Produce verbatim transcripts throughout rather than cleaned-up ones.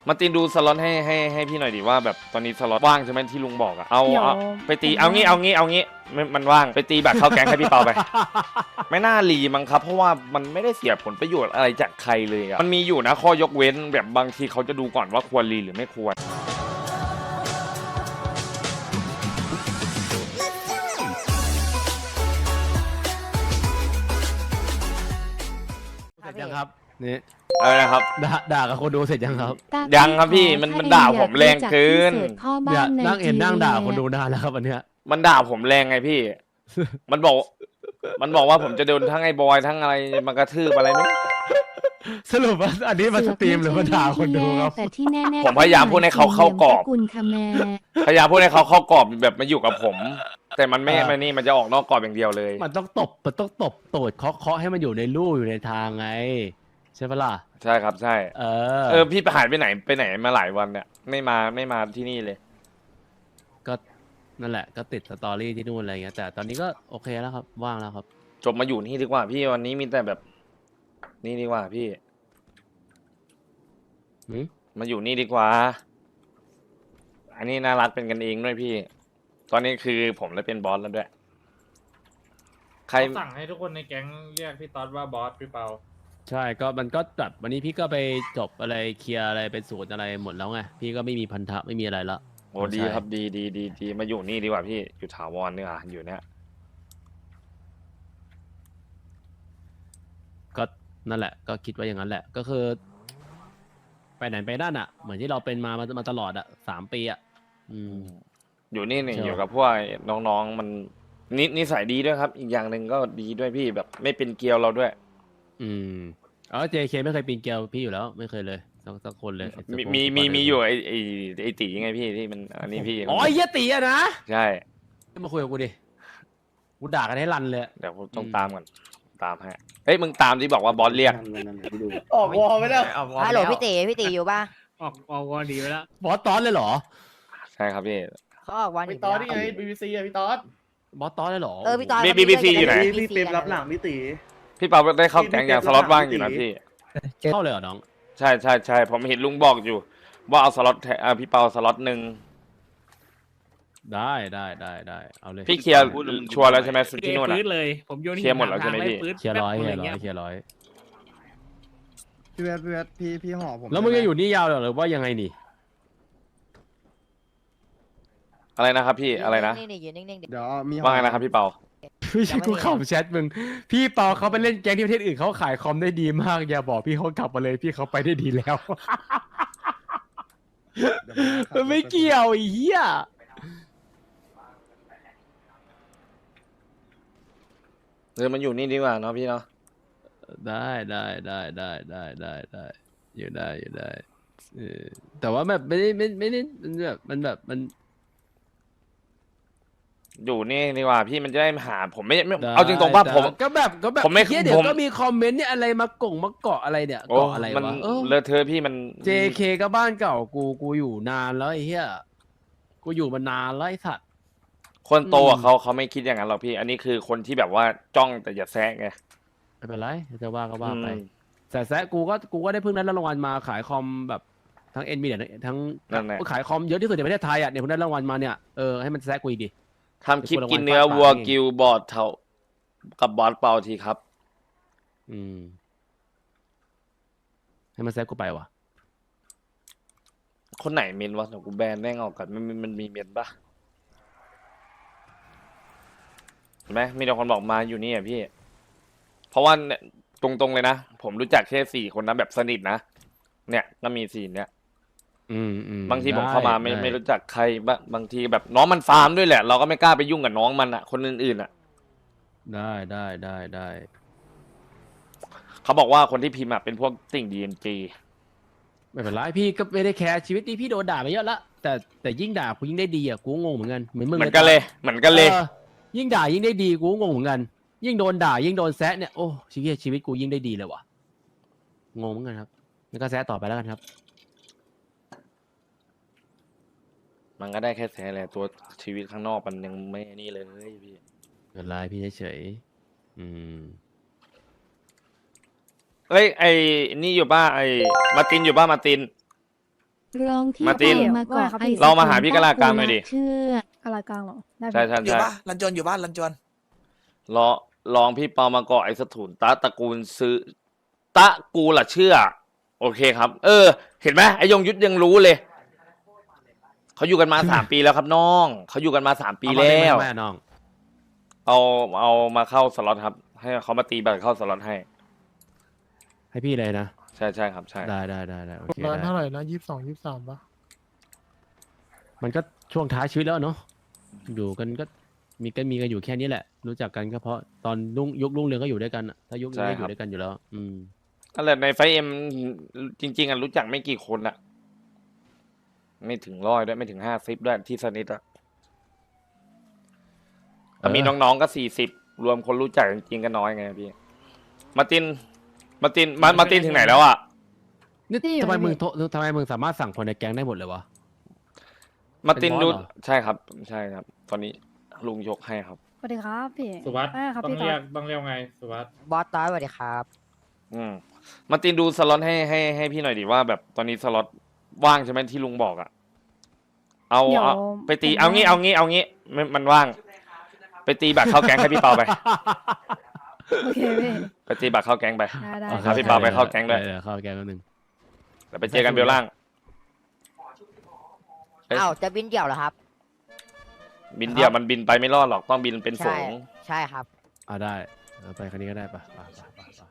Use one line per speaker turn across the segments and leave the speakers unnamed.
มาตินดูสล็อตให้ให้ให้พี่หน่อยดิว่าแบบตอนนี้สล็อตว่างใช่ไหมที่ลุงบอกอะเอา
เดี๋ยว
เอาไปตีเอางี้เอางี้เอางี้มันมันว่างไปตีแบบเข้าแก๊งให้พี่เปาไป ไม่น่ารีมั้งครับเพราะว่ามันไม่ได้เสียผลประโยชน์อะไรจากใครเลยอะมันมีอยู่นะข้อยกเว้นแบบบางทีเขาจะดูก่อนว่าควรรีหรือไม่ควร
เสร็จยังครับนี่
อะไรนะครับ
ด่าด่ากับคนดูเสร็จยังครับ
ยังครับพี่มันมันด่าผมแรงเกิน
เนี่ยนั่งเห็นนั่งด่าคนดูนานแล้วครับอันเนี้ย
มันด่าผมแรงไงพี่ มันบอก มันบอกว่าผมจะโดนทั้งไอ้บอยทั้งอะไรมากระทืบอะไรไม่
สรุปว่าอันนี้มาสตรีมหรือมาด่าคนดูครับ
แต่ที่แน่ๆ
ผมพยายามพูดให้เขาเข้ากรอบ
กุลคาแม
พยายามพูดให้เขาเข้ากรอบแบบมาอยู่กับผม แต่มันไม่มันนี่มันจะออกนอกกรอบอย่างเดียวเลย
มันต้องตบมันต้องตบโตดเคาะเคาะให้มันอยู่ในลู่อยู่ในทางไงใช่ปะล่ะ
ใช่ครับใช่
เออ
เออพี่ไปหายไปไหนไปไหนมาหลายวันเนี่ยไม่มาไม่มาที่นี่เลย
ก็นั่นแหละก็ติดสตอรี่ที่นู่นอะไรเงี้ยแต่ตอนนี้ก็โอเคแล้วครับว่างแล้วครับ
จบมาอยู่นี่ดีกว่าพี่วันนี้มีแต่แบบ นี่ดีกว่าพี่
หืม
มาอยู่นี่ดีกว่า อันนี้น่ารักเป็นกันเองด้วยพี่ ตอนนี้คือผมได้เป็นบอสแล้วด้วย ใคร
สั่งให้ทุกคนในแก๊งเรียกพี่ต๊อดว่าบอสพี่เปา
ใช่ก็มันก็แบบวันนี้พี่ก็ไปจบอะไรเคลียร์อะไรเป็นสูตรอะไรหมดแล้วไงพี่ก็ไม่มีพันธะไม่มีอะไรละ
โอ้ดีครับดีดีดีดีมาอยู่นี่ดีกว่าพี่อยู่ถาวรเนี่ยอยู่เนี้ย
ก็นั่นแหละก็คิดว่าอย่างนั้นแหละก็คือ ไปไหนไปนั่นอ่ะ เหมือนที่เราเป็นมามามาตลอดอ่ะสามปีอ่ะอืม
อยู่นี่เนี่ย
ใช่
อยู่กับพวกน้องๆมันนินิสัยดีด้วยครับ อีกอย่างหนึ่งก็ดีด้วยพี่แบบไม่เป็นเกลียวเราด้วย
อืมอ๋อ เจ เค ไม่เคยปีนเกลียวพี่อยู่แล้วไม่เคยเลยสักสักคนเลยไอ้
มี
สปง
มี
สป
มี
เดอร์
มีอยู่ไอไอไอตีไงพี่ที่มันอันนี้พี่
อ๋อไอ้เหี้ยตีอะนะ
ใช่
มาคุยกับกูดิกูด่ากันให้รันเลย
เดี๋ยวผมต้อง
อืม
ตามก่อนตามให้เฮ้ยมึงตามที่บอกว่าบอสเรียก
ออกวอลไม่ได้
ฮัลโหลพี่ตีพี่ตีอยู่ป่ะ
ออกออกวอดีไปแล้ว
บอสตอนเลยเหรอ
ใช่ครับพี่
เขาออกวัน
พี่ตอดนี่ไงบีบีซีอะพี่ตอด
บอสตอนเลยเหรอ
เออพี่ตอน
บีบีซีอยู่ไหน
พี่เปรมรับหลังพี่ตี
พี่เปาได้เข้าแก๊งอย่างสล็อตว่างอยู่นะพี่
เข้าเลยเหรอน้อง
ใช่ใช่ใช่ผมเห็นลุงบอกอยู่ ว่าเอาสล็อตแทอ่าพี่เปาสล็อตหนึ่ง
ได้ได้ได้ได้เอาเลย
พี่เคลียร์ชัวร์แล้วใช่ไหมสุดที่นู่น
ปื
อะ
ดเลย ผมโยน
เคลียร์หมดแล้วใช่ไหมพี่
เคลียร์ร้อยเคลียร์ร้อยเคลียร์ร้อย
พี่เวทพี่เวทพี่พี่ห่อผม
แล้วมึง
ได้
จะ
ไห
อยู่นี่ยาวเหรอหรือว่ายังไงนี่
อะไรนะครับพี่อะไรนะ
นิ่งๆอยู่นิ่งๆดิ
เดี๋ยวมีห่อ
ว่าไงนะครับพี่เปา
ไม่ใช่กูขับแชทมึงพี่เปาเขาไปเล่นแก๊งที่ประเทศอื่นเขาขายคอมได้ดีมากอย่าบอกพี่เขากลับมาเลยพี่เขาไปได้ดีแล้ว
เดี๋ยวผมขับ
มันไม่เกี่ยวไอ้เหี้ย
เออมันอยู่นี่ดีกว่าเนาะพี่เนาะ
ได้ได้ได้ได้ได้ได้ได้อยู่ได้อยู่ได้เออแต่ว่าแบบไม่ได้ไม่ไม่ได้มันแบบมันแบบมัน
อยู่นี่ดีกว่าพี่มันจะได้หาผมไม่ไม่
ได้
เอาจริงตรงป่ะ
แต่
ผม
ก็แบบก็แบบ
ผมไม่
เหี้ยเดี๋ยว
ผม
ก็มีคอมเมนต์เนี่ยอะไรมากงมาเกาะอะไรเนี่ย
โอ้
เกาะอะไร
มัน
วะเออ
เลอะเทอะพี่มัน
เจ เค ก็บ้านเก่ากูกูอยู่นานแล้วไอ้เหี้ยกูอยู่มานานแล้วไอ้สัตว์
คนโต
อื
อะ
ม
เขาเขาไม่คิดอย่างนั้นหรอกพี่ อันนี้คือคนที่แบบว่าจ้องแต่อย่าแซะไง
ไม่เป็นไรจะว่าก็ว่าไป
อืม
แต่แซะกูก็กูก็ได้เพิ่งได้รางวัลมาขายคอมแบบทั้งเอ็นบีเนี่ยทั้ง
นั่นแหละ
ขายคอมเยอะที่สุดในประเทศไทยอ่ะเนี่ยเพิ่งได้รางวัลมาเนี่ยเออให้มันแซะกูอีกดิ
ทำคลิปกินเนื้อวัวกิวบอดเท่ากับบอสเปาทีครับ
อืมให้มันแซะกูไปวะ
คนไหนเมนวะเดี๋ยวกูแบนแม่งออกก่อนมันมันมันมีเมนปะเห็นไหมมีแต่คนบอกมาอยู่นี่อ่ะพี่ เพราะว่าเนี่ยตรงๆเลยนะ ผมรู้จักแค่สี่คนนะแบบสนิทนะ เนี่ยก็มีสี่เนี่ย
อืมอืม
บางทีผม
ได้
เข้ามาไม่
ด้
ไม่รู้จักใครบ้างบางทีแบบน้องมันฟาร์มด้วยแหละ เราก็ไม่กล้าไปยุ่งกับน้องมันอ่ะ คนอื่นๆอ่ะ
ได้ได้ได้ได้
เขาบอกว่าคนที่พิมพ์อ่ะเป็นพวกสิ่งดีเอ็นจี
ไม่เป็นไรพี่ก็ไม่ได้แคร์ชีวิตนี้พี่โดนด่าไปเยอะละแต่แต่ยิ่งด่ากูยิ่งได้ดีอ่ะกูก็งงเหมือนกันเหมือนมึง
เหมือนกันเลยเหมือนกันเลย
ออยิ่งด่ายิ่งได้ดีกูก็งงเหมือนกัน ยิ่งโดนด่ายิ่งโดนแซะเนี่ยโอ้ชีวิตชีวิตกูยิ่งได้ดีเลยว่ะงงเหมือนกันครับงั้นก็แซะต่อไปแล้วกันครับ
มันก็ได้แค่แซะแหละตัวชีวิตข้างนอกมันยังไม่นี่เลยพี่
ไม่เป็นไรพี่เฉยๆอืม
เอ้ยไอ้นี่อยู่ป่ะไอ้มาร์ตินอยู่ป่ะมาร์ติน
ร้องที่
มาร์ติน
มาเกาะไอ
เรามาหาพี่กะลากลางหน่อยดิ
เชื่อ
กะลากลางเหรอได้
ใช่ใช่
อยู่
ใช่
ปะลันจวนอยู่บ้านลันจวน
รอลองพี่เปามาเกาะไอ้สถุนตะตระกูลซื้อตะกูล่ะเชื่อ โอเคครับ เออ เห็นไหมไอ้ยงยุทธยังรู้เลยเขาอยู่กันมาสามปีแล้วครับน้องเขาอยู่กันมาสามปี
เอามา
แล้
เต็ม
ว
ไหมน้อง
เอาเอามาเข้าสล็อตครับ ให้เขามาตีบัตรเข้าสล็อตให้
ให้พี่เลยนะ
ใช่ใช่ครับใช่
ได้ได้ได้ได้โอเค
ร้าน
ได้
เท่าไหร่นะยี่สิบสองยี่สิบสามปะ
มันก็ช่วงท้ายชีวิตแล้วเนาะอยู่กันก็มีกันมีกันอยู่แค่นี้แหละ รู้จักกันก็เพราะตอนรุ่งยุครุ่งเรืองก็อยู่ด้วยกันอะถ้ายุคนี้ก็อยู่ด้วยกันอยู่แล้ว อืม
นั่นแหละในไฟเอ็มจริง ๆอ่ะรู้จักไม่กี่คนอะไม่ถึงร้อยด้วยไม่ถึงห้าสิบด้วยที่สนิทอะแต่มีน้องๆก็สี่สิบรวมคนรู้จักจริงๆก็น้อยไงพี่มาร์ตินมาร์ตินมามาร์ตินถึงไหนแล้วอะ
นี่ทำไมมึงโททำไมมึงสามารถสั่งคนในแก๊งได้หมดเลยวะ
มาร์ติน
เป็นบอส
ดู
เหรอ
ใช่ครับใช่ครับ ตอนนี้ลุงยกให้ครับ
สวัสดีครับพี่
สุวัสด์
ได้ครับ
ต้อง
พี่ตอ
เรีย
ด
กต้องเรียกไงสุวัสด์
บอสตอสสวัสดีครับ
อืมมาร์ตินดูสล็อตให้ให้ให้พี่หน่อยดิว่าแบบตอนนี้สล็อตว่างใช่ไหมที่ลุงบอกอะเอา
เดี๋ยว
เอาไปตี
ผม
เอางี้
ว่
เอางี้เอางี้มันมันว่าง ไปตีบัตรเข้าแก๊งให้พี่เปาไป
โอเคพี่
ไปตีบัตรเข้าแก๊งไป
ได้ได้
ครับพี่เปาไปเข้าแก๊งด้วย
เออเข้าแก๊งแป๊บนึง
เดี๋ยวไปเจอกันเบลล่าง เอ๊ะ
อ้าวจะบินเดี่ยวเหรอครับ
บินเดียวมันบินไปไม่รอดหรอกต้องบินเป็นฝู
ใช่
ง
ใช่ครับ
อ่าได้เอาไปคันนี้ก็ได้ปะไปไปไปไป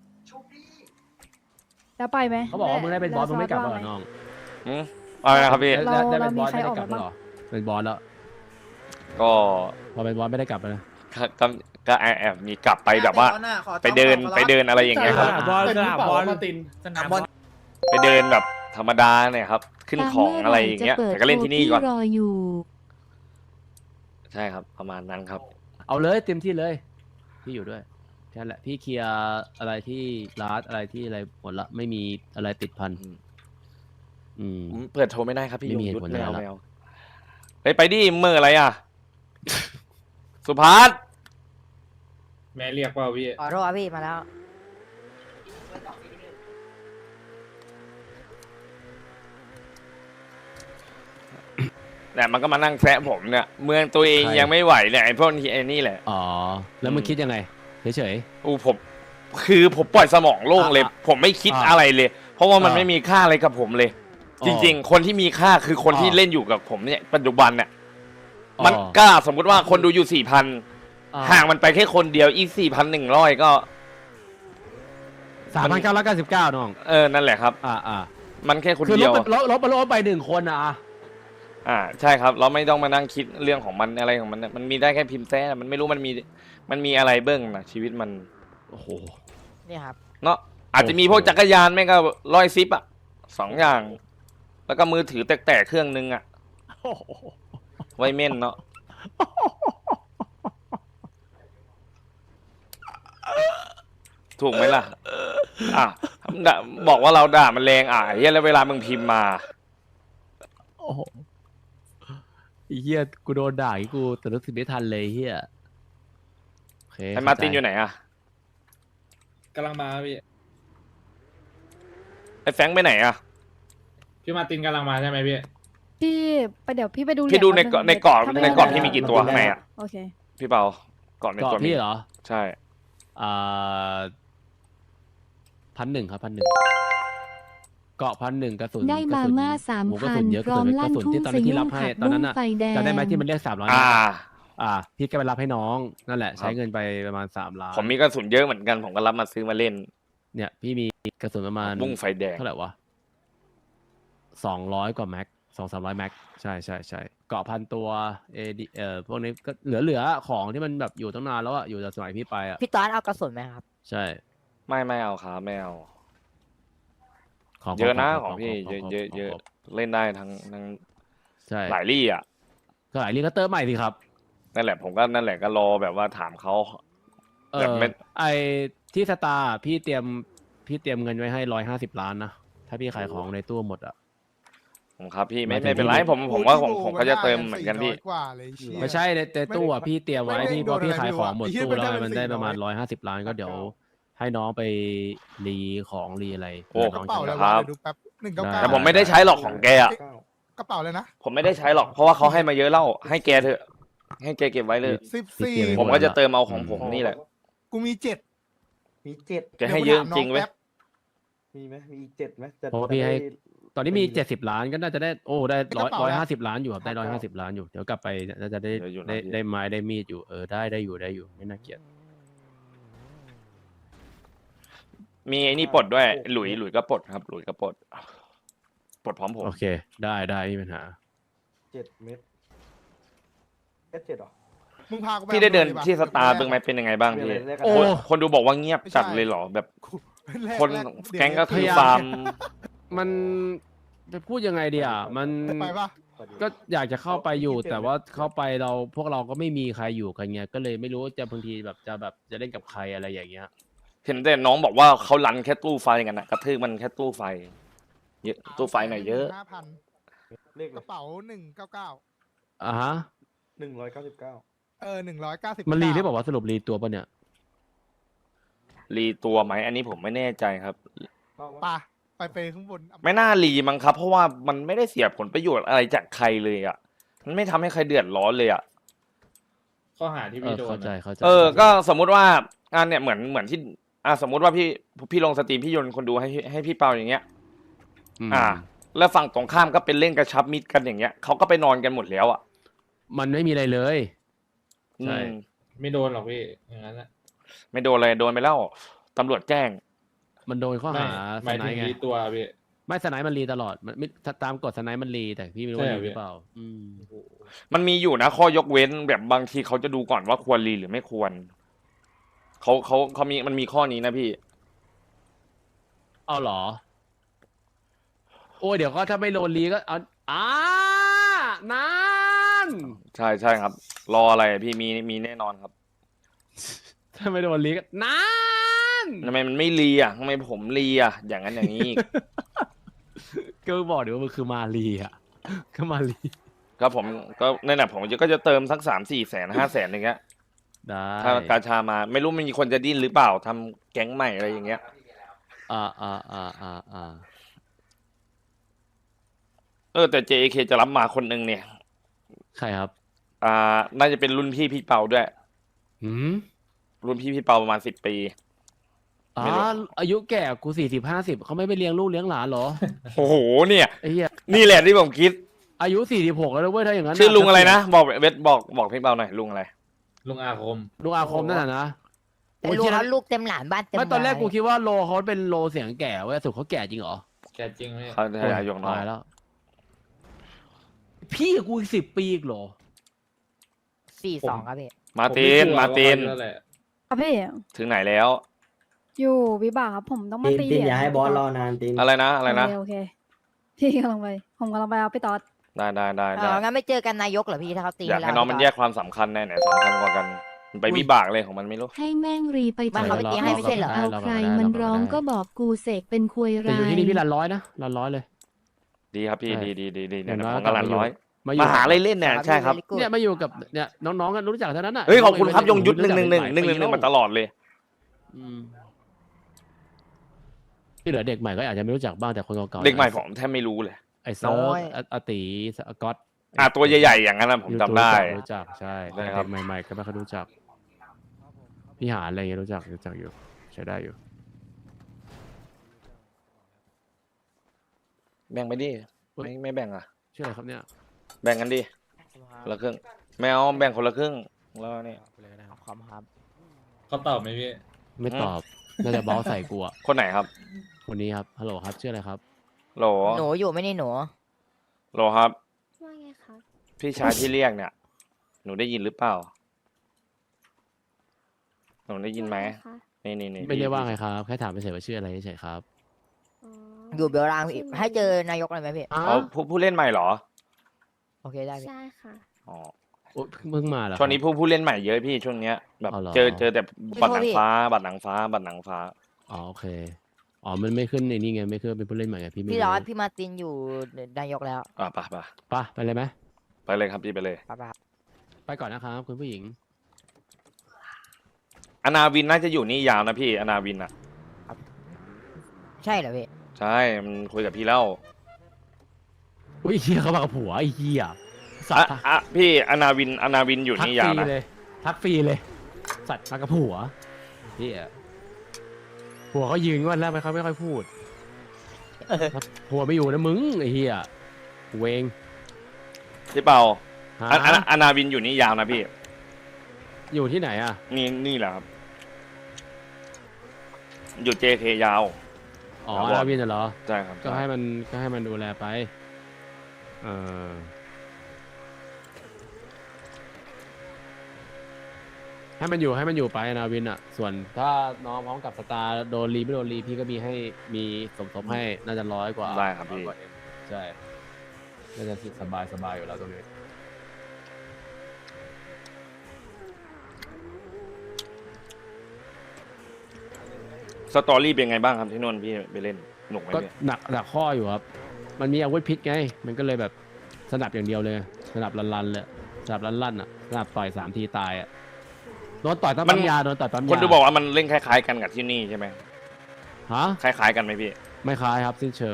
แล้วไปไหม
เขาบอกว่ามึงได้เป็นบอสมึงไม่กลับแล้วเหรอ
แว
น้อง
อืมเอาเลยนะครับพี่
เรา
ได้ได้เป็นบอส
เรามีใคร
ไม่ได้
ออก
กลับ
มา
แล้ว
บ้าง
เหรอเป็นบอสแล้ว
ก็
พอเป็นบอสไม่ได้กลับแล้วนะ
ก็ก็ก็แอบแอบมีกลับไปแบบว่า ไปเดินไปเดินอะไรอย่างเงี้ยครับ
สนามบอลสนามบอลมาติน
สนาม
บบ อ
อ
ล
ล
ไปเดินแบบธรรมดาเนี่ยครับ ขึ้นของอะไรอย่างเงี้ยแต่ก็เล่นที่นี่ก่อน
รออยู่
ใช่ครับ ประมาณนั้นครับ
เอาเลยเต็มที่เลย พี่อยู่ด้วยแค่นั้นแหละพี่เคลียร์อะไรที่ร้านอะไรที่อะไรหมดละไม่มีอะไรติดพัน
อืม
อืม
ผมเปิดโทรไม่ได้ครับพี่
ไม่
ยง
มีเหตุ
ยุทธ
ผล
ไม่เอา
อะไรละ
ไม่เอาไปไปดิเมื่ออะไรอ่ะ สุภัส
แม่เรียกว่าพี่
ขอโทษครับพี่มาแล้ว
เนี่ยมันก็มานั่งแซะผมเนี่ย เมืองตัวเองยังไม่ไหวเนี่ยไอ้พวกนี้ไอ้นี่แหละ
อ๋อแล้วมึง
อืม
คิดยังไงเฉย
อู้ผม คือผมปล่อยสมองโล่งเลย
อ่ะ
ผมไม่คิด
อ่ะ
อะไรเลย เพราะว่ามัน
อ่ะ
ไม่มีค่าอะไรกับผมเลย
อ๋อ
จริง ๆ คนที่มีค่าคือคนที่
อ่ะ
เล่นอยู่กับผมเนี่ยปัจจุบันเนี่ย
อ๋อ
มันกล้าสมมุติว่าคนดูอยู่สี่พัน
อ่
ห่างมันไปแค่คนเดียวอีกสี่พันหนึ่งร้อยก็
สามพันเก้าร้อยเก้าสิบเก้าน้อง
เออนั่นแหละครับ
อ่าอ่า
มันแค่คน
คือล
เดี
บ
ยว
ไปลบลบไปลบไปหนึ่งคนนะอ่ะ
อ่าใช่ครับเราไม่ต้องมานั่งคิดเรื่องของมันอะไรของมันเนี่ยมันมีได้แค่พิมพ์แท้มันไม่รู้มันมีมันมีอะไรเบื้องนะชีวิตมัน
โอ้โห
นี่ครับ
เนาะอาจจะมีพวกจักรยานแม่งก็ร้อยซิปอ่ะสองอย่าง แล้วก็มือถือแตกๆเครื่องนึงอ่ะไว้เม่นเนาะถูกไหมล่ะอ่ะด่าบอกว่าเราด่ามันแรงอ่ะเฮียแล้วเวลามึงพิมพ์มา
โอ้โหไอ้เฮียกูโดนด่าอีกกูแต่รู้สึกไม่ทันเลยเฮียโอเค
ไอ้มาร์ตินอยู่ไหนอ่ะ
กำลังมาพี่
ไอ้แฟรงค์ไปไหนอ่ะ
พี่มาร์ตินกำลังมาใช่ไหมพี่
พี่ไปเดี๋ยวพี่ไปดู
พี่ดูใน
เหรียญ
ในกรอบ
ถ้าไม่
ในกรอบ
ได้
พี่มีกี่ตัวข้างในอ่ะ
โอเค
พี่เปาก่อนใน
เกาะ
ตัวมี
พี่เหรอ
ใช่
อ่าพันหนึ่งครับพันหนึ่งเกาะพันหนึ่งกระสุน
ได้มาก
ระสุน
ม่าสาม
โอ้โหกระ
พั
สุ
น
นเยอะ
พร้อม
ก
ลั่
ระ
น
สุน
ทุ่ง
ที่ตอน
ส
นั้นที่
ยุ
รั
ง
บให้
ผัด
ตอน
บุ้
นั้
ง
นอ่ะ
ไฟแดง
จำได้ไหมที่มันเรียกสามล้าน
อ่า
อ่าพี่ก็ไปรับให้น้องนั่นแหละ
ครั
ใช้
บ
เงินไปประมาณสามล้าน
ผมมีกระสุนเยอะเหมือนกันผมก็รับมาซื้อมาเล่น
เนี่ยพี่มีกระสุนประมาณ
บุ้งไฟแดง
เท่าไหร่วะสองร้อยกว่าแม็กสองสามร้อยแม็กใช่ใช่ใช่เกาะพันตัวเอดีเอ่อพวกนี้ก็เหลือเหลือของที่มันแบบอยู่ตั้งนานแล้วอะอยู่แต่สมัยพี่ไปอะ
พี่ตอสเอากระสุนไหมครับ
ใช่
ไม่ไม่เอาครับไม่เอา
ของ
เยอะนะ
ข
ของพี่
ข
เยอะ
ข
เยอะ
ข
เยอะ
ข
เล่นได้ทั้งทั้ง
ใช่
หลายลี่อ่ะ
ก็หลายลีก็เติมใหม่สิครับ
นั่นแหละผมก็นั่นแหละก็รอแบบว่าถามเขา
เอ
แบบ
อ
ไม่
ไอที่สตาร์พี่เตรียมพี่เตรียมเงินไว้ให้ร้อยห้าสิบล้านนะถ้าพี่ขายของในตู้หมดอะ
ผมครับพี่ไม่
หมายถึง
ไม่เป็นไร
พี่
ผมผมว่าผมผมก็จะเติมเหมือนกันพี่
กว่าเลยเชี่ย
ไม่ใช่ในในตู้อะพี่เตรียมไว้
ไม่ได้
พี่
โด
พอน พี่
อะไร
ขายของหมด
ไม่รู้
ตู้
อะ
แล้ว
ไอ้เหี้ย
มันได้
มันได้
ประมาณ
สี่ร้
ร้
อ
อย ยห้าสิบล้านก็เดี๋ยวให้น้องไปรีของรีอะไร
โอ้
เผื่
ก
น้
ระ
อง
เป๋า
จะ
แล้ว
ครั
วะ
บ
เดี๋ยวดูแป๊บ
หนึ่งเก้าเก้า
แต่ผมไม่ได้ใช้หรอกของแกอะ
กระเป๋าเลยนะ
ผมไม่ได้ใช้หรอกเพราะว่าเขาให้มาเยอะแล้วให้แกเถอะ ให้แกเก็บไว้เลย
สิบสี่
ผมก็จะเติมเอาของผมนี่แหละ
กูมีเจ็ด
มีเจ็ด
แกให้เยอะจริงเว้ย
มีไหมมีอีกเจ็ดไหมจะ
เพราะว่าพี่ให้
จะได้
ตอนนี้มีเจ็ดสิบล้านก็น่าจะได้โอ้ได้ร้อย
กระเป๋า
ร้อย
นะ
ห้าสิบล้านอยู่ครับได้ร้อยห้าสิบล้านอยู่เดี๋ยวกลับไปน่าจะได้
เดี๋ยวอยู่นะ
ได้
พี่
ได้ไม้ได้มีดอยู่เออได้ได้อยู่ได้อยู่ไม่น่าเกลียด
มีไอ้นี่ปลดด้วย หลุยหลุยก็ปลดครับ หลุยก็ปลดปลดพร้อมผม
โอเค ได้ได้ไม่มีปัญหา
เจ็ดเม็ดเอสเจ็ดหรอ
มึงพากูไป
พี่ได้เดิน
อำภอลยปะ
ที่สตาร์บึงไหมเป็นยังไงบ้างพี่
เดี๋ยวแรกกัน
โอ้
คนคนดูบอกว่าเงียบ
ไม่ใช่
จัดเลยเหรอแบบ
แร
คน
แรเดี๋ยว
แก๊งก็คือ
พยายาม
ฟาร์ม
มันจะพูดยังไงดีอ่ะมัน
ไปปะ
ก็อยากจะเข้าไปอยู่ แต่ว่าเข้าไปเราพวกเราก็ไม่มีใครอยู่กันเงี้ยก็เลยไม่รู้ว่าจะบางทีแบบจะแบบจะเล่นกับใครอะไรอย่างเงี้ย
เห็นแต่น้องบอกว่าเขารันแค่ตู้ไฟกันนะกระทืบมันแค่ตู้ไฟ เยอะตู้ไฟหน่อยเยอะ
ห้าพัน
เลข
กระเป๋าหนึ่งเก้าเก้า
อ่ะฮะ
หนึ่งร้อยเก้าสิบเก้า
เออหนึ่งร้อยเก้าสิบ
มันรีหรือเปล่าวะสรุปรีตัวปะเนี่ย
รีตัวไหมอันนี้ผมไม่แน่ใจครับ
ปะไปไปข้างบน
ไม่น่ารีมั้งครับ เพราะว่ามันไม่ได้เสียผลประโยชน์อะไรจากใครเลยอ่ะ มันไม่ทำให้ใครเดือดร้อนเลยอ่ะ
ข้อหาที่
เอ
พี่
อ
โดน
เข้าใจ
อะ
เข้าใจ
เออ ก็สมมุติว่างานเนี่ยเหมือนเหมือนที่อ่าสมมุติว่าพี่พี่ลงสตรีมพี่โยนคนดูให้ให้พี่เปาอย่างเงี้ย
ม
อ่า แล้วฝั่งตรงข้ามก็เป็นเล่นกระชับมิตรกันอย่างเงี้ยเขาก็ไปนอนกันหมดแล้วอ่ะ
มันไม่มีอะไรเลย
อื
ใช่
ม
ไม่โดนหรอกพี่อย่างนั้นนะ
ไม่โดนอะไรโดนไปแล้วตำรวจแจ้ง
มันโดนข้อ
ไม่
หา
ห
ส
มาย
ไน
ถึง
ด์ไง
รีตัวพี่
ไม่สไนด์มันรีตลอดมันไม่ถ้าตามกฎสไนด์มันรีแต่พี่ไม่รู้ว่า
ใช่
รี
เหรอ
หรือเปล่า อืม
มันมีอยู่นะข้อยกเว้นแบบบางทีเขาจะดูก่อนว่าควรรีหรือไม่ควรเขาเขาเขามีมันมีข้อนี้นะพี่
เอาเหรอ โอ้ยเดี๋ยวก็ถ้าไม่โดนรีก็เอาอ่านั่น
ใช่ใช่ครับ รออะไรอะพี่มีมีแน่นอนครับ
ถ้าไม่โดนรีก็นั่น
ทำไมมันไม่รีอ่ะทำไมผมรีอ่ะอย่างนั้นอย่างนี้อีก
ก็บอกเดี๋ยวว่ามันคือมารีอ่ะ ก็มารี
ก็ผมก็นั่นแหละผมก็จะเติมสักสามสี่แสนห้าแสนอย่างเงี้ย
ได้
ถ้ากาชามาไม่รู้มันมีคนจะดิ้นหรือเปล่าทำแก๊งใหม่อะไรอย่างเงี้ย
อ่าอ่าอ่าอ่าอ่า
เออแต่ เจ เค จะรับมาคนหนึ่งเนี่ย
ใครครับ
อ่าน่าจะเป็นรุ่นพี่พี่เปาด้วย
หืม
รุ่นพี่พี่เปาประมาณสิบปี
อ๋อ
ไม่รู้
อายุแก่กูสี่สิบห้าสิบเขาไม่ไปเลี้ยงลูกเลี้ยงหลานเหรอ
โอ้โหเนี่ย
ไอ้เหี้ย
นี่แหละที่ผมคิด
อายุสี่สิบหกแล้วนะเว้ยถ้าอย่างนั้น
ชื่อลุงอะไรนะบอกเวทบอกบอกพี่เปาหน่อยลุงอะไร
ลุงอาคม
ลุงอาคมนั่นน่ะนะ
แต่
โอ้ย
ลูก
เหี้ย
เขาลูกเต็มหลานบ้านเต็ม
ไม่ตอนแรก
บ้า
กูคิดว่าโลเขาเป็นโลเสียงแก่เว้ยสุดเขาแก่จริงเหรอ
แกจริงพี่
เขาจะยกน้อง
ตายแล้ว พี่กับกูอีกสิบปีอีกเหรอ
สี่สองครับพี่
มาร์ตินมาร์ติน
นั่นแหละ
ครับพี่
ถึงไหนแล้ว
อยู่วิบากครับผมต้องมา
ตีน
ตี
ตีน
เหรีญ
อย่าให้บอสรอนานตีน
อะไรนะอะไรนะ
โอเคโอเคพี่กำลังไป ผมกำลังไปเอาพี่ตอด
ได้ได้ได้
เอ
ได้
องั้นไม่เจอกันนายกเหรอพี่ถ้าเขาตี
อยากให้
เรา
น้องมัน
พี่
แย
ต
กความสำคัญแน่ไหนสำคัญกว่ากัน มันไปวิบากเลยของมันไม่รู้
ให้แม่งรีไป
บ้านเขาไปตีให้ไม่ใช่เหรอ
เอาใครมันร้องก็บอกกูเสกเป็นควย
แต่
รา
อยู่ที่นี่
ย
พี่รันร้อยนะรันร้อยเลย
ดีครับพี่
ใช่
ดีดีดีดี
อ
เนี่ย
ย่างน้อย
ผมกำลังร้อย
มาอยู่
มาหาอะไรเล่นเนี่ยใช่ครับ
พี่
เนี่ยมาอยู่กับเนี่ยน้องๆกันรู้จักเท่านั้นน่ะ
เฮ้ยขอบคุณครับยงยุทธห
รู้
นึ่ง
จั
ห
ก
นึ่งหนึ่ง
ห
ห
ลาย
นึ่งหนึ่งหนึ่ง
ปี
มาตลอดเลย
อืมที่เหลือเด็กใหม่ก็อาจจะไม่รู้จักบ้างแต่คนเก่าๆ
เด็กใหม่ผมแทบไม่รู้เลย
ไอ้เซิร์
น้
ฟ
อย
อาอาติอาก๊อต
อ่ะตัวใหญ่ๆอย่างนั้นนะผมจำได้
รู้จักใช่
ได้
แต่
ครั
เด็
บ
กใหม่ๆก็ไม่ค่อยรู้จักพี่หาอะไรเงี้ยรู้จักรู้จักอยู่ใช้ได้อยู่
แบ่งไปดิไม่ไม่แบ่งอ่ะ
ชื่ออะไรครับเนี่ย
แบ่งกันดิคนละครึ่งแมวแบ่งคนละครึ่งแล้วนี่
ขอบคุณครับ
เขาตอบไหมพี่
ไม่ตอบน่าจะบอสใส่กูอะ
คนไหนครับ
คนนี้ครับฮัลโหลครับชื่ออะไรครับ
โหล
หนูอยู่ไม่นี่หนู
โหลครับ
ว่าไงคะ
พี่ชายที่เรียกเนี่ย หนูได้ยินหรือเปล่า หนูได้ยินไหมนี่นี่นี่
ไม่ได้ว่าไงครับแค่ถามไปเฉยว่าชื่ออะไรเฉยๆครับ
อยู่เบลรางพี่ให้เจอนายกอะไรไหมพี่
เขาผู้ผู้เล่นใหม่เหรอ
โอเคได้พี่
ใช่ค่ะ
อ๋อ
โอ๊ยเพิ่งมาเหรอ
ช่วงนี้ผู้ผู้เล่นใหม่เยอะพี่ช่วงเนี้ยแบบ
อ๋อเหรอ
เจอเจอแต่บัตรหนังฟ้า บัตรหนังฟ้า บัตรหนังฟ้า
อ๋อโอเคอ๋อมันไม่ขึ้นในนี่ไงไม่ขึ้นเป็นผู้เล่นใหม่ไงพี่ไม่
พี่ร้อน
รู้
พี่มาร์ตินอยู่นายกแล้ว
อ่ะไปไป
ไปไปเลยไหม
ไปเลยครับพี่ไปเลย
ไปๆครับ
ไปก่อนนะครับคุณผู้หญิง
อนาวินน่าจะอยู่นี่ยาวนะพี่อนาวินอ่ะ
ใช่เหรอพี่
ใช่มันคุยกับพี่แล้ว
อุ้ยเฮียเขามากับผัวไอ้เฮียสั
อ่ะ
ตว์
อ่ะพี่อนาวินอนาวินอยู่
ทัก
นี่
ฟ
ยาว
รี
นะ
เลยทักฟรีเลย สัตว์มากับผัวเฮียผัวเขายืนวันแล้วไม่เขาไม่ค่อยพูดถ้าผัวไม่อยู่นะมึงไอ้เฮียเวง
พี่เปา
ฮะ
อะอะอนาวินอยู่นี่ยาวนะพี่
อยู่ที่ไหนอ่ะ
นี่นี่แหละครับ อยู่ เจ เค ยาว
อ๋อ
ครับ
อาวินน่ะเหรอ
ใช่ครับ
ก็ให้มันก็ให้มันดูแลไป เออให้มันอยู่ให้มันอยู่ไปนาวินอ่ะ ส่วนถ้าน้องพร้อมกับสตาร์โดนรีไม่โดนรีพี่ก็มีให้มีสมทบให้น่าจะร้อยกว่า
ได้ครับพี่
อยกว่าเอ็มใช่น่าจะสบายสบายอยู่แล้วตรงนี้
สตอรี่เป็นไงบ้างครับที่นนท์พี่ไปเล่นหนุกไหม
ก็
พี่
หนักหนักข้ออยู่ครับ มันมีอาวุธพิษไง มันก็เลยแบบสนับอย่างเดียวเลย สนับลันๆเลยสนับลั่นๆอ่ะสนับต่อยสามทีตายอ่ะโดนต่อยตั้งปั๊มยาโดนต่อยปั๊มยา
คนดูบอกว่ามันเล่นคล้ายๆกันกับที่นี่ใช่ไหม
ฮะ
คล้ายๆกันไหมพี่
ไม่คล้ายครับสิ้นเชิง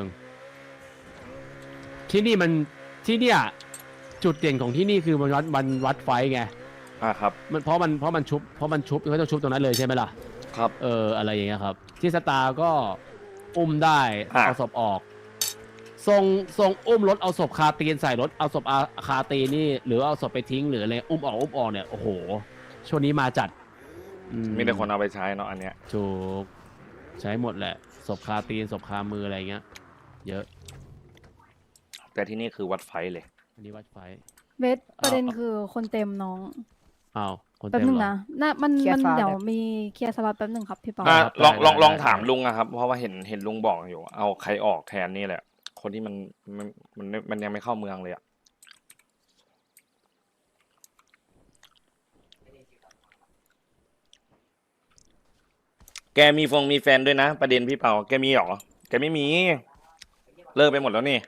ที่นี่มันที่เนี่ยจุดเด่นของที่นี่คือมันวัดมันวัดไฟท์ไง
อ่าครับ
มันเพราะมันเพราะมันชุบเพราะมันชุบเขาจะชุบตรงนั้นเลยใช่ไหมล่ะ
ครับ
เอออะไรอย่างเงี้ยครับ ที่สตาร์ก็อุ้มได้
อ่ะ
เอาศพออก ทรงทรงอุ้มรถเอาศพคาตีนใส่รถเอาศพอาคาตีนนี่ หรือเอาศพไปทิ้งหรืออะไรอุ้มออกอุ้มออกเนี่ยโอ้โหช่วงนี้มาจัดอื
มีแต่คนเอาไปใช้เนาะอันเนี้ย
ถูกใช้หมดแหละศพคาตีนศพคามืออะไรเงี้ย เยอะ
แต่ที่นี่คือวัดไฟเลย
อันนี้วัดไฟ
เบสประเด็นคือคนเต็มน้อง
อ้าวคน
แป๊บ
เต็ม
หนึ่ง
เหรอ
นะน่ามัน
เคลียร์
มัน
สล็อต
เดี๋ยว
แบบ
มีเคลียร์สล็อตแป๊บหนึ่งครับพี่เปา
อ่ะ
ครับ
ลอง
ได้
ลอง
ได้
ลอง
ได้
ถามลุงอะครับ เพราะว่าเห็นเห็นลุงบอกอยู่ เอาใครออกแทนนี่แหละ คนที่มันมันมันมันยังไม่เข้าเมืองเลยอะแกมีฟงมีแฟนด้วยนะ ประเด็นพี่เปาแกมีเหรอแกไม่มี เลิกไปหมดแล้วนี่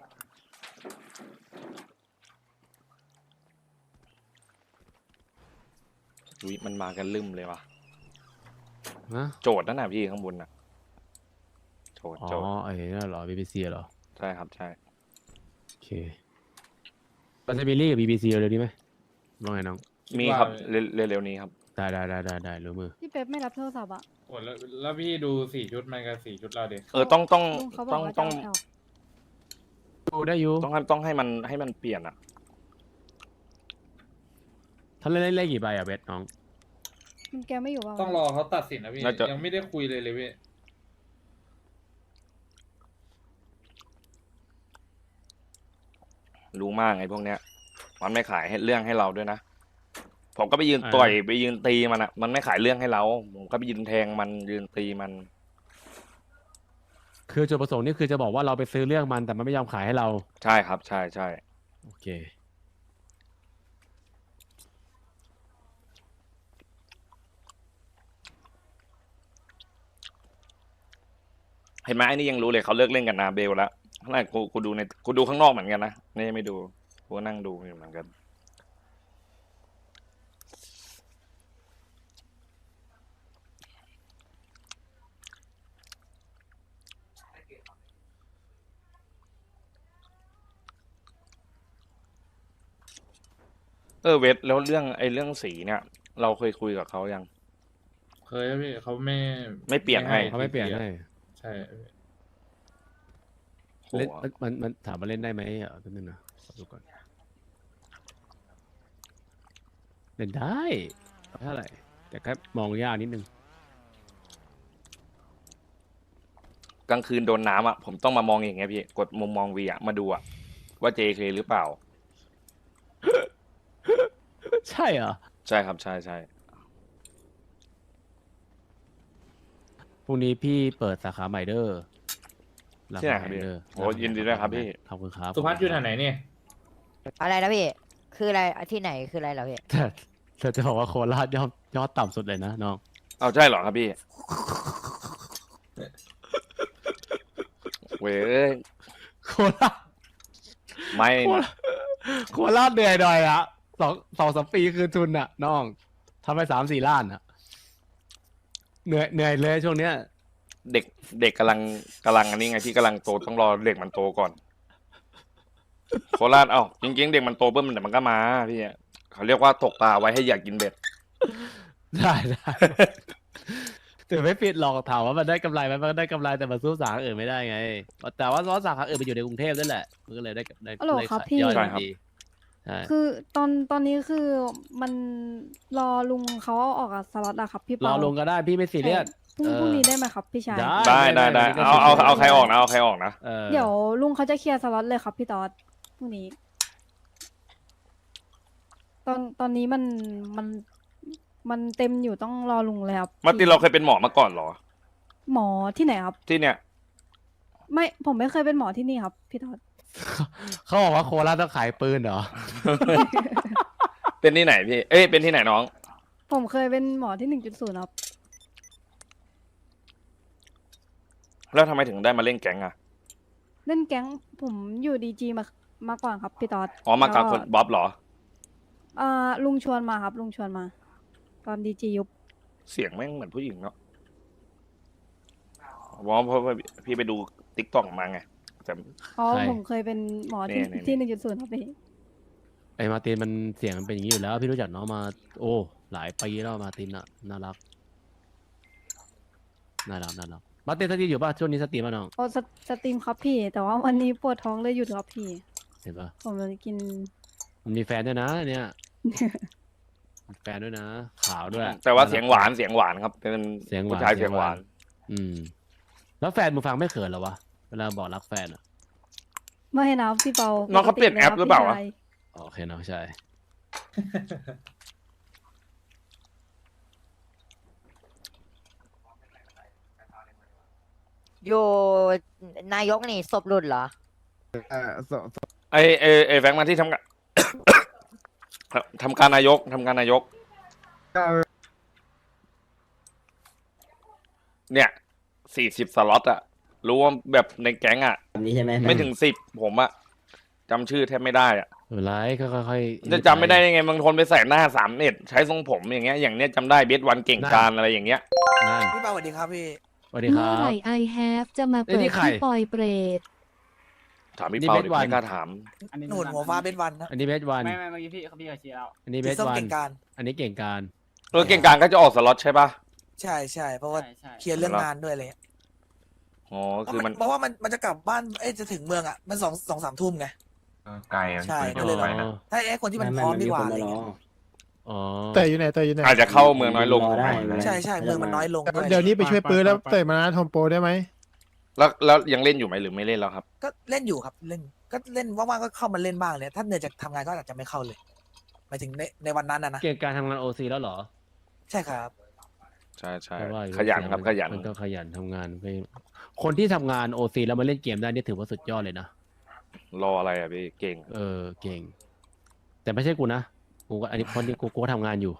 อุ๊ยมันมากันลืมเลยว่ะ
ฮะ
โจทย์นั่นน่ะพี่ข้างบนน่ะ โจทย์
อ๋อ
โจทย์
ไอ้นี่นเหรอ บี บี ซี เหรอ
ใช่ครับใช่
โอเคเราจะมีลีกกับ บี บี ซี เร็วๆนี้ไหมว่าไงน้อง
มีครับเร็วเร็วๆนี้ครับ
ได้ได้ได้ได้ได้รู้มือ
พี่เป๊ปไม่รับโทรศัพท์อ่ะ
โอ้แล้วแล้วพี่ดูสี่ชุดมันกับสี่ชุดเราดิ
เออต้องต้อง
ลุงเขาบ
ต้
อ
อก ง
ว่าจะ
ต้อง
เอา
ดูได้อยู่
ต้องให้ต้องให้มันให้มันเปลี่ยนอ่ะ
ถ้าเล่นเล่นเล่นกี่ใบอ่ะเบสน้อง
มันแกไม่อยู่ว่า
ต้องรอเขาตัดสินนะพี่
น่าจะ
ยังไม่ได้คุยเลยเลยพี่
รู้มากไอ้พวกเนี้ย มันไม่ขายให้เรื่องให้เราด้วยนะ ผมก็ไปยืน
อ่า
ต่อยไปยืนตีมันอ่ะ มันไม่ขายเรื่องให้เรา ผมก็ไปยืนแทงมันยืนตีมัน
คือจุดประสงค์นี่คือจะบอกว่าเราไปซื้อเรื่องมันแต่มันไม่ยอมขายให้เรา
ใช่ครับ ใช่ใช่
โอเค
เห็นไหมไอ้นี่ยังรู้เลยเขาเลิกเล่นกันนาเบลแล้วขนาดกูกูดูในกูดูข้างนอกเหมือนกันนะนี่ไม่ดูกูก็นั่งดูอยู่เหมือนกัน เออเวทแล้วเรื่องไอ้เรื่องสีเนี่ย เราเคยคุยกับเขายัง
เคยแล้วพี่เขาไม่
ไม่เปลี่ยนให้
เขาไม่เปลี่ยนให้
ใช่
โห
เล่นมันมันมันถามมาเล่นได้ไหมอ่ะแป๊บนึงนะขอดูก่อน เล่นได้เท่าไหร่แต่แค่มองยากนิดนึง
กลางคืนโดนน้ำอ่ะผมต้องมามองอย่างเงี้ยพี่กดมุมมองวีอ่ะมาดูอ่ะว่า เจ เค หรือเปล่า
ใช่เหรอ
ใช่ครับใช่ใช่
พรุ่งนี้พี่เปิดสาขาใหม่เด้อ
ที่ไหนครับพี่
เด้อ
โอ้ยินดีด้วยครับพี่
ขอบคุณครับ
สุพัฒน์อยู่แถวไหนเนี่ย
อะไรนะพี่ คืออะไรที่ไหนคืออะไรเหรอพี่
แต่แต่จะบอกว่าโคราชยอดยอดต่ำสุดเลยนะน้อง
เอาใช่เหรอครับพี่ เว้ย
โคราช
ไม่
โคราชโคราชเหนื่อยหน่อยอะสองสองสามปีคืนทุนอะน้องทำไปสามสี่ล้านอะเหนื่อยเหนื่อยเลยช่วงเนี้ย
เด็กเด็กกำลังกำลังอันนี้ไงพี่กำลังโตต้องรอเด็กมันโตก่อนโคราชเอ้าจริงๆเด็กมันโตปุ๊บมันเดี๋ยวมันก็มาพี่เขาเรียกว่าตกปลาไว้ให้อยากกินเบ็ด
ได้ได้แต่ไม่ปิดหรอกถามว่ามันได้กำไรไหมมันก็ได้กำไรแต่มันสู้สาขาอื่นไม่ได้ไง แต่ว่าซอสสาขาอื่นมันอยู่ในกรุงเทพนั่นแหละมันก็เลยได้ได้
อ๋อเหรอ
ได้
ครับ
ขาย
พี่
ยอด
ใช่ครับ
ดีใช่
คือตอนตอนนี้คือมันรอลุงเขาเอาออกกับสล็อตอะครับพี่
รอ
เปา
ลงก็ได้พี่ไม่ซีเรียส
พรุ่ง
เออ
พรุ่งนี้ได้ไหมครับพี่ชาย
ได้
ได้ได้ได้เอาเอาเอาใครออกนะเอาใครออกนะ
ออ
เดี๋ยวลุงเขาจะเคลียร์สล็อตเลยครับพี่ตอดพรุ่งนี้ ตอนตอนนี้มันมันมันเต็มอยู่ต้องรอลุงเลยครับ
มาร์ตินเราเคยเป็นหมอมาก่อนเหรอ
หมอที่ไหนครับ
ที่เนี่ย
ไม่ผมไม่เคยเป็นหมอที่นี่ครับพี่ตอด
เขาบอกว่าโคราชต้องขายปืนเหรอ
เป็นที่ไหนพี่เอ้ยเป็นที่ไหนน้อง
ผมเคยเป็นหมอที่หนึ่งจุดศูนย์ครับ
แล้วทำไมถึงได้มาเล่นแก๊งอ่ะ
เล่นแก๊งผมอยู่ดีจีมามาก่อนครับพี่ตอด
อ๋อมากับ
แล้ว
คนบ๊อบเหรอ
อ่าลุงชวนมาครับ ลุงชวนมา ตอนดีจียุบ
เสียงแม่งเหมือนผู้หญิงเนาะเพราะเพราะว่าพี่ไปดูติ๊กต็อกมาไงแต่
อ๋อ
ใช่
ผมเคยเป็นหมอที่
นี่ๆๆ
ที่หนึ่งจุดศูนย์ครับพี่
ไอ้มาร์ตินมันเสียงมันเป็นอย่างนี้อยู่แล้ว พี่รู้จักน้องมา โอ้หลายปีแล้วมาร์ตินอะน่ารักน่ารักน่ารักมาร์ตินสตรีมอยู่ป่ะช่วงนี้สตรีมป่ะน้อง
โอ้สสตรีมครับพี่ แต่ว่าวันนี้ปวดท้องเลยหยุดครับพี่
เห็นป่ะ
ผมเลยกิน
มันมีแฟนด้วยนะเนี่ยมีแฟนด้วยนะ ขาวด้วย
แต่ว่าเสียงหวานเสียงหวานครับเป็น
เสียงหวาน
ผู้ชายเสียงหวาน
อืม แล้วแฟนมึงฟังไม่เขินเหรอวะเวลาบอกรักแฟนอะ
ไม่ให้นะพี่เปา
น้องเขาเปลี่ยนแอปหรือเปล่าวะ
พี่ชย
โอเคน้องชาย
อยู่นายกนี่ศพหลุดเหรอ
เออสส
ไอไอไอแฟงมาที่ทำงาน ทำการนายกทำการนายก
ก็
เนี่ยสี่สิบสล็อตอะรู้ว่าแบบในแก๊งอะ
แบบนี้ใช่ไหม
ไม่ถึงสิบผมอะจำชื่อแทบไม่ได้อะ
เออไลฟ์ค่อยๆ
จะจำไม่ได้ยังไงบางคนไปใส่หน้าสามเอ็ดใช้ทรงผมอย่างเงี้ยอย่างเนี้ยจำได้เบสวันเก่งการอะไรอย่างเงี้ย
นั่น
พี่เปาสวัสดีครับพี่
สวัสดีค
เมื่
รั
อบ ไหร่ I have จะมา
เอ้ย
เปิ
นี่
ด
ใคร
ที่ปอยเปรต
ถามพี่
นี่
เปา
เบส
ดิ
วัน
ไม่กล้าถาม
หนุนหัวฟ้าเบสวันนะ
อันนี้เบสวัน
ไม่ไม่เมื่อกี้พี่พี่เขาชี้แล้ว
อันนี้เบ
สี
ส
ส้ม
วัน
เก่งการ
อันนี้เก่งการ
เออเก่งการก็จะออกสล็อตใช่ปะ
ใช่ใช่เพราะว่า
ใช่ใช่
เคลียร์เรื่องงานด้วยอะไรเงี้ย
อ๋อคือมัน
เพราะว่ามันมันจะกลับบ้านเอ้ยจะถึงเมืองอ่ะมันสองสองสามทุ่มไง
ไกล
ใช่ก็เลยแบบ ถ้าไอ้คนที่มันพร้อมดีกว่าอะไรเงี้ย
อ๋อ
แต่อยู่ไหนแต่อยู่ไหน
อาจจะเข้าเมืองน้อยลง
ใช่ใช่เมืองมันน้อยลงด้วย
เดี๋ยวนี้ไปช่วยปื้อแล้วเตะมานะทอมโปรได้ไหม
แล้วแล้วยังเล่นอยู่ไหมหรือไม่เล่นแล้วครับ
ก็เล่นอยู่ครับเล่นก็เล่นว่างๆก็เข้ามาเล่นบ้างเลยถ้าเหนื่อยจากทำงานก็อาจจะไม่เข้าเลยหมายถึงในในวันนั้นนะนะ
เก่งการทำงานโอซีแล้วเหรอ
ใช่ครับ
ใช่ใช่
เพราะว่า
ขยันครับขยัน
มันก็ขยันทำงานไปคนที่ทำงานโอซีแล้วมาเล่นเกมได้นี่ถือว่าสุดยอดเลยนะ
รออะไรอะพี่เก่ง
เออเก่ง แต่ไม่ใช่กูนะกูก็อันนี้คนที่กูกูก็ทำงานอยู่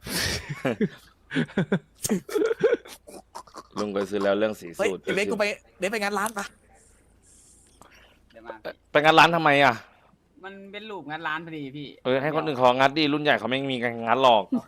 ลุงก็ซื้อแล้วเรื่องสี
เฮ้ย
สูตร
ไอ้เบสกูไปเบสไปงานร้านปะ
เดี๋ยวมา
ไปงานร้านทำไมอะ
มันเป็นรูปงานร้านพอดีพี่
เออให้คนอื่นเขางัดดิรุ่นใหญ่เขาไม่มีการงัดหรอก
โอเค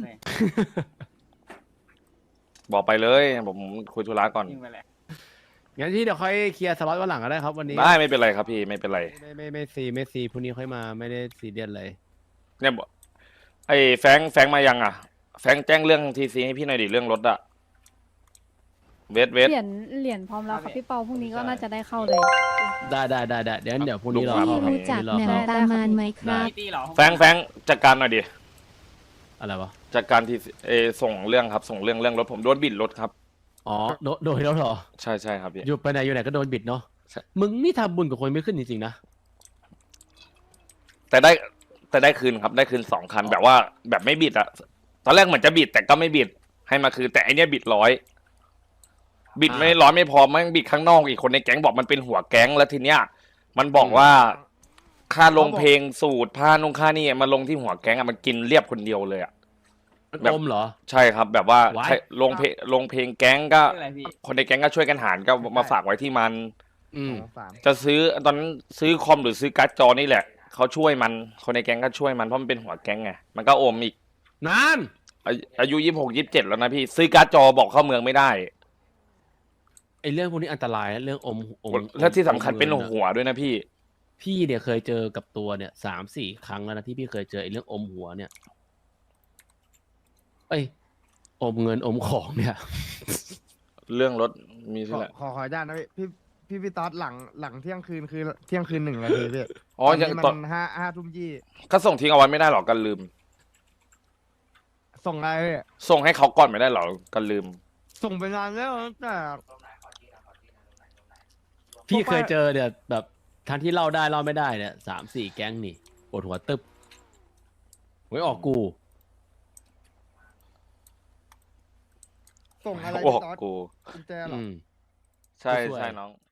บอกไปเลยผมคุยธุระก่อน
ยิงไปเลย
งั้นที่เดี๋ยวค่อยเคลียร์สล็อตวันหลังก็ได้ครับวันนี้
ได้ไม่เป็นไรครับพี่ไม่เป็นไร
ไม่ไม่ไม่ซีไม่ซีพรุ่งนี้ค่อยมาไม่ได้ซีเรียสเลย
เนี่ยบอกไอ้แฟงแฟงมายังอ่ะ แฟงแจ้งเรื่องทีซีให้พี่หน่อยดิเรื่องรถอะเวทเวท
เหรียญเหรียญพร้อมแล้วครับพี่เปาพรุ่งนี้ก็น่าจะได้เข้าเลย
ได้ได้ได้ได้เดี๋ยวงั้นเดี๋ยวพรุ่งนี้รอ
พี่
เข้าครับ
รู้จัก
พรุ่งนี้รอ
แหม่
เข้าม
ตามานไหมครับ
มีตีเหรอ
แฟงแฟงจัดการหน่อยดิ
อะไรวะ
จัดการทีเออส่งเรื่องครับ ส่งเรื่องเรื่องรถผมโดนบิดรถครับ
อ๋อโดนโดนแล้วเหรอ
ใช่ใช่ครับพี่
อยู่ไปไหนอยู่ไหนก็โดนบิดเนาะ
ใช่
มึงนี่ทำบุญกับคนไม่ขึ้นจริงๆนะ
แต่ได้แต่ได้คืนครับได้คืนสองคันแบบว่าแบบไม่บิดอะตอนแรกเหมือนจะบิดแต่ก็ไม่บิดให้มาคืนแต่ไอเนี้ยบิดร้อยบิดไม่ร้อยไม่พอมันบิดข้างนอกอีกคนในแก๊งบอกมันเป็นหัวแก๊งแล้วทีเนี้ยมันบอกว่าค่าลงเพลงสูตรผ้านุ่งค่านี่มาลงที่หัวแก๊งอะมันกินเรียบคนเดียวเลยอะ
มัน
แบบ
อมเหรอ
ใช่ครับ แบบว่า
Why?
ใช่ลงเพลงลงเพลงแก๊งก็
ชื่ออะไรพี่
คนในแก๊งก็ช่วยกันหารก็มาฝากไว้ที่มัน
อืม
สาม
จะซื้อตอนนั้นซื้อคอมหรือซื้อการ์ดจอนี่แหละเขาช่วยมันคนในแก๊งก็ช่วยมันเพราะมันเป็นหัวแก๊งไงมันก็อมอีก
นาน
อายุอายุยี่สิบหกยี่สิบเจ็ดแล้วนะพี่ซื้อการ์ดจอบอกเข้าเมืองไม่ได้
ไอ้เรื่องพวกนี้อันตรายนะเรื่องอมอม
และที่สำคัญ
อม
เป็น
งิอะ
หัวด้วยนะพี่
พี่เนี่ยเคยเจอกับตัวเนี่ยสามสี่ครั้งแล้วนะที่พี่เคยเจอไอ้เรื่องอมหัวเนี่ย เอ้ยอมเงินอมของเนี่ย
เรื่องรถมี
ข
ที่
อ
แหละ
ขอขออนุญาตนะพี่พี่พี่พี่ต๊อดหลังหลังเที่ยงคืนคือเที่ยงคืนหนึ่งนาทีพี่
อ๋อ
ตอน
ยัง
นี้
ตอน
มันห้าห้าทุ่มยี่
ก็ส่งทิ้งเอาไว้ไม่ได้หรอกกันลืม
ส่งอะไรพี่
ส่งให้เขาก่อนไม่ได้หรอกันลืม
ส่งไปนานแล้วตั้งแต่
พี่
พวก
เคย
ป้า
เจอเนี่ยแบบทั้งที่เล่าได้เล่าไม่ได้เนี่ยสามสี่แก๊งนี่ปวดหัวตึบไว้ออกกู
ส่งอะไร
โอ้
พี่ต๊อด
กู
กุญแจเหรอ
อืม
ใช่
ช่วย
ใช่น้อง